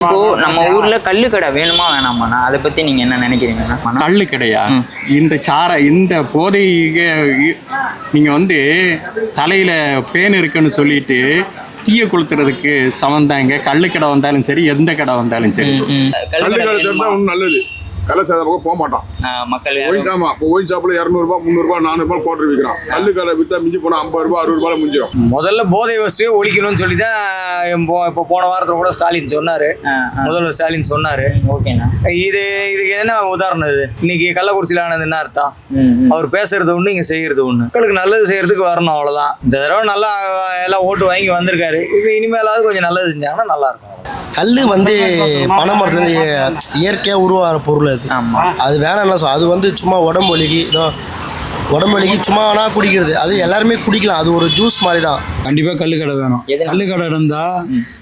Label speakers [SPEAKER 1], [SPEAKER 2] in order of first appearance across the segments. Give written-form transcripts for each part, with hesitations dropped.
[SPEAKER 1] இப்போ நம்ம ஊர்ல கள்ளுக்கடை வேணுமா வேணாமாண்ணா, அதை பத்தி நீங்க என்ன நினைக்கிறீங்கண்ணா?
[SPEAKER 2] கள்ளுக்கடையா? இந்த போதைக்கு நீங்க தலையில பேன் இருக்குன்னு சொல்லிட்டு தீய கொளுத்துறதுக்கு சமந்தாங்க. கள்ளுக்கடை வந்தாலும் சரி, எந்த கடை வந்தாலும் சரி.
[SPEAKER 3] நல்லது. கள்ளச்சாராய பக்கம் போக மாட்டான்
[SPEAKER 1] மக்கள்.
[SPEAKER 3] ஆமா, இப்போ ஒயின் ஷாப்ல 200 ரூபாய் 300 ரூபாய் 400 ரூபாய் கோட்டர் விற்கிறான். கல்லு கடை வித்தா மிஞ்சி போனா 50 ரூபாய் 60 ரூபாய் முடிஞ்சிடும்.
[SPEAKER 4] முதல்ல போதை வசதியை ஒழிக்கணும்னு சொல்லி தான் இப்போ போன வாரத்தில் கூட ஸ்டாலின் சொன்னாரு. முதல்வர் ஸ்டாலின் சொன்னாரு.
[SPEAKER 1] ஓகேண்ணா.
[SPEAKER 4] இதுக்கு என்ன உதாரணம்? இது இன்னைக்கு கள்ளக்குறிச்சியில் ஆனது என்ன அர்த்தம்? அவர் பேசுறது ஒண்ணு, இங்க செய்யறது ஒண்ணு. மக்களுக்கு நல்லது செய்யறதுக்கு வரணும், அவ்வளவுதான். இந்த தடவை நல்லா எல்லாம் ஓட்டு வாங்கி வந்திருக்காரு. இது இனிமேலாவது கொஞ்சம் நல்லது செஞ்சாங்கன்னா நல்லா இருக்கும்.
[SPEAKER 5] கல் பனை மரத்துலேருந்து இயற்கையாக உருவாகிற பொருள் அது. அது வேணாம்னா அது சும்மா உடம்பு வலிக்கு சும்மா வேணா குடிக்கிறது. அது எல்லாருமே குடிக்கலாம். அது ஒரு ஜூஸ் மாதிரி தான்.
[SPEAKER 6] கண்டிப்பாக கல்லுக்கடை வேணும். கல்லுக்கடை இருந்தால்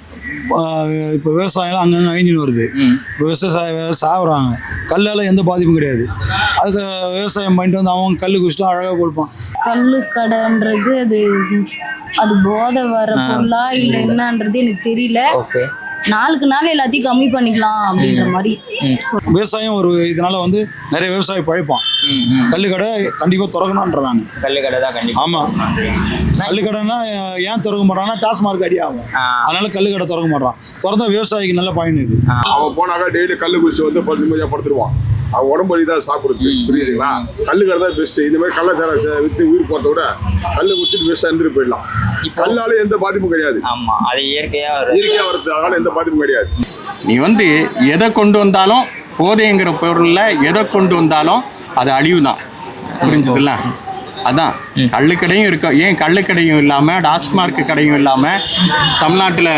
[SPEAKER 6] இப்போ விவசாயம் அங்கங்கே அழிஞ்சின்னு வருது. இப்போ விவசாய சாப்பிட்றாங்க. கல்லால் எந்த பாதிப்பும் கிடையாது. அதுக்கு விவசாயம் பண்ணிட்டு அவங்க கல் குடிச்சிட்டு அழகாக கொடுப்பான்.
[SPEAKER 7] கல்லுக்கடைன்றது அது போதை வர பொருளா இல்லை என்னன்றது எனக்கு தெரியல. நாளுக்கு நாள் எல்லாத்தையும் கம்மி பண்ணிக்கலாம் அப்படின்ற மாதிரி.
[SPEAKER 6] விவசாயம் ஒரு இதனால நிறைய விவசாயி பழைப்பான். கல்லுக்கடை கண்டிப்பா திறக்கணும்ன்ற நான்.
[SPEAKER 1] கல்லுக்கடை தான் கண்டிப்பா.
[SPEAKER 6] ஆமா, கல்லுக்கடைன்னா ஏன் திறக்க மாட்டான்னா டாஸ்மார்க் அடி ஆகும். அதனால கல்லுக்கடை திறக்க மாட்டான். திறந்தா விவசாயிக்கு நல்ல பயன் இது.
[SPEAKER 3] அவன் போனாக்கா டெய்லி கல்லு குடிச்சு பழுத்து மதியா படுத்துருவான். அவன் உடம்பு வலி தான் சாப்பிடுறது. புரியுதுங்களா? கல்லுக்கடை தான் பெஸ்ட். இந்த மாதிரி கள்ளச்சாரம் வித்து உயிர் போறத விட கல்லு குடிச்சிட்டு பெஸ்ட்டாக இருந்துட்டு போயிடலாம். கல்லால எந்த பாதிப்பும் கிடையாது.
[SPEAKER 1] ஆமா, அது இயற்கையா
[SPEAKER 3] வருது. அதனால எந்த பாதிப்பும் கிடையாது.
[SPEAKER 2] நீ எதை கொண்டு வந்தாலும், போதைங்கிற பொருள்ல எதை கொண்டு வந்தாலும் அது அழிவு தான். புரிஞ்சுதுல்ல? அதான் கள்ளுக்கடையும் இருக்கும். ஏன் கள்ளுக்கடையும் இல்லாமல் டாஸ்மார்க் கடையும் இல்லாமல் தமிழ்நாட்டில்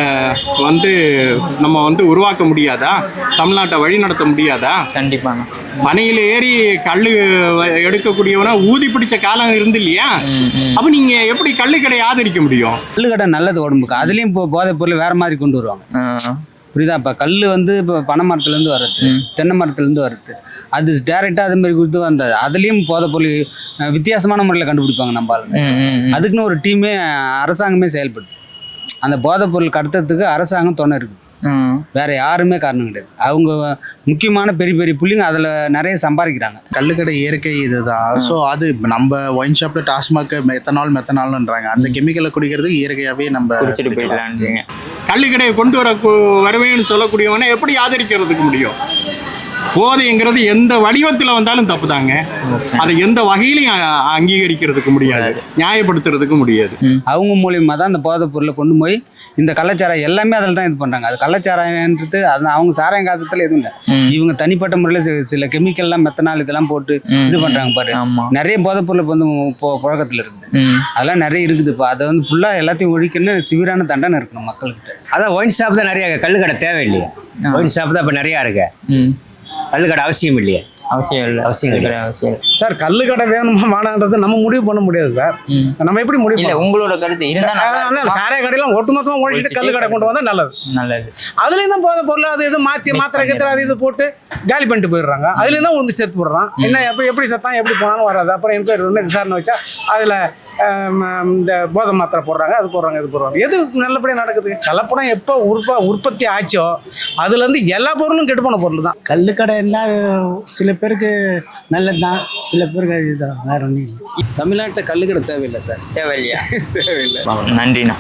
[SPEAKER 2] நம்ம உருவாக்க முடியாதா? தமிழ்நாட்டை வழி நடத்த முடியாதா?
[SPEAKER 1] கண்டிப்பாங்க.
[SPEAKER 2] பனையில் ஏறி கல் எடுக்கக்கூடியவனா ஊதி பிடிச்ச காலம் இருந்து இல்லையா? அப்போ நீங்கள் எப்படி கள்ளுக்கடையை ஆதரிக்க முடியும்?
[SPEAKER 8] கள்ளுக்கடை நல்லது உடம்புக்கு. அதுலேயும் இப்போ போதைப் பொருள் வேறு மாதிரி கொண்டு வருவாங்க. புரியுதா? இப்போ கல் இப்போ பனை மரத்துலேருந்து வர்றது, தென்னை மரத்துலேருந்து வர்றது, அது டேரெக்டாக அது மாதிரி கொடுத்து வந்தது. அதுலேயும் போதைப் பொருள் வித்தியாசமான முறையில் கண்டுபிடிப்பாங்க நம்ம ஆளுங்க. அதுக்குன்னு ஒரு டீமே அரசாங்கமே செயல்படுது. அந்த போதைப் பொருள் கடத்துறதுக்கு அரசாங்கம் துணை இருக்குது. வேற யாருமே காரணம் கிடையாது. அவங்க முக்கியமான பெரிய பெரிய புள்ளிங்க அதில் நிறைய சம்பாதிக்கிறாங்க.
[SPEAKER 9] கள்ளுக்கடை இயற்கை இதுதான். ஸோ அது நம்ம ஒயின் ஷாப்பில் டாஸ்மாக் மெத்தனால்ன்றாங்க. அந்த கெமிக்கலை குடிக்கிறதுக்கு இயற்கையாகவே நம்ம
[SPEAKER 1] குடிச்சிட்டு போயிடலான்றீங்க.
[SPEAKER 2] கள்ளுக்கடையை கொண்டு வருவேன்னு சொல்லக்கூடியவனை எப்படி ஆதரிக்கிறதுக்கு முடியும்? போதைங்கிறது எந்த வடிவத்தில் வந்தாலும் தப்பு தாங்க. அதை எந்த வகையிலையும் அங்கீகரிக்கிறதுக்கு முடியாது, நியாயப்படுத்துறதுக்கு முடியாது.
[SPEAKER 8] அவங்க மூலியமாக தான் அந்த போதைப் பொருளை கொண்டு போய் இந்த கள்ளச்சாராயம் எல்லாமே அதில் தான் இது பண்ணுறாங்க. அது கள்ளச்சாராயன்றது அது அவங்க சாராயம் காசத்தில் எதுவும் இல்லை. இவங்க தனிப்பட்ட முறையில் சில கெமிக்கல்லாம் மெத்தனால் இதெல்லாம் போட்டு இது பண்ணுறாங்க பாரு. நிறைய போதைப் பொருள் இப்போ புழக்கத்தில் இருக்குது. அதெல்லாம் நிறைய இருக்குது. இப்போ அதை ஃபுல்லாக எல்லாத்தையும் ஒழிக்கணும்னு சிவிரான தண்டனை இருக்கணும் மக்களுக்கு.
[SPEAKER 4] அதான் ஒயின் ஷாப் தான் நிறைய. கள்ளுக்கடை தேவையில்லையே. ஒயின் ஷாப் தான் இப்போ நிறையா இருக்கு. கள்ளுக்கடை அவசியம் இல்லையே. அவசியம்
[SPEAKER 10] சார். கள்ளுக்கடை வேணுமா வேணான்றது நம்ம முடிவு பண்ண முடியாது சார். நம்ம எப்படி முடிவு
[SPEAKER 1] இல்ல, உங்களோட கருத்து
[SPEAKER 10] சாராய கடையெல்லாம் ஒட்டுமொத்தமா ஒழிச்சிட்டு கள்ளுக்கடை கொண்டு வந்தா நல்லது. அதுலயும் தான் போதை பொருள் அது இது மாத்திரை கத்திர அது இது போட்டு காலி பண்ணிட்டு போயிடுறாங்க. அதுலயும் தான் செத்து போடுறான். என்ன எப்படி சத்தம் எப்படி போனாலும் வராது. அப்புறம் என்கொயரி ஒன்று விசாரணை வச்சா அதுல இந்த போதை மாத்திரை போடுறாங்க, அது போடுறாங்க, இது போடுறாங்க. எது நல்லபடியாக நடக்குது? கலப்படம் எப்போ உற்பத்தி ஆச்சோ அதுல இருந்து எல்லா பொருளும் கெட்டு போன பொருள் தான்.
[SPEAKER 11] கள்ளுக்கடை இருந்தால் சில பேருக்கு நல்லது தான், சில பேருக்கு இதுதான். வேற ஒன்றும் இல்லை.
[SPEAKER 8] தமிழ்நாட்டில் கள்ளுக்கடை தேவையில்லை சார்.
[SPEAKER 1] தேவையில்லையா? தேவையில்லை. நன்றிண்ணா.